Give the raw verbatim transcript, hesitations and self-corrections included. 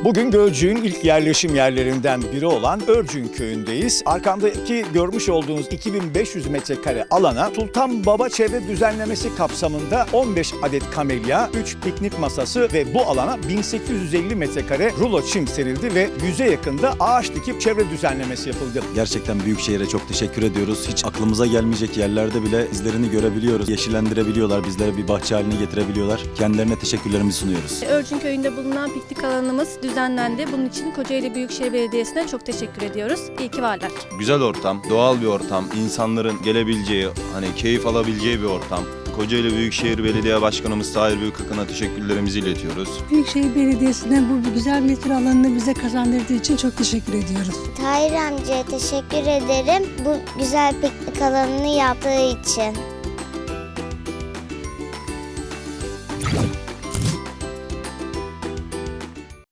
Bugün Gölcük'ün ilk yerleşim yerlerinden biri olan Örcün Köyü'ndeyiz. Arkamdaki görmüş olduğunuz iki bin beş yüz metrekare alana Sultan Baba Çevre Düzenlemesi kapsamında on beş adet kamelya, üç piknik masası ve bu alana bin sekiz yüz elli metrekare rulo çim serildi ve yüze yakında ağaç dikip çevre düzenlemesi yapıldı. Gerçekten Büyükşehir'e çok teşekkür ediyoruz. Hiç aklımıza gelmeyecek yerlerde bile izlerini görebiliyoruz. Yeşillendirebiliyorlar, bizlere bir bahçe haline getirebiliyorlar. Kendilerine teşekkürlerimizi sunuyoruz. Örcün Köyü'nde bulunan piknik alanımız düzenlendi. Bunun için Kocaeli Büyükşehir Belediyesi'ne çok teşekkür ediyoruz. İyi ki varlar. Güzel ortam, doğal bir ortam, insanların gelebileceği, hani keyif alabileceği bir ortam. Kocaeli Büyükşehir Belediye Başkanımız Tahir Büyükakın'a teşekkürlerimizi iletiyoruz. Büyükşehir Belediyesi'ne bu güzel metro alanını bize kazandırdığı için çok teşekkür ediyoruz. Tahir amcaya teşekkür ederim bu güzel piknik alanını yaptığı için.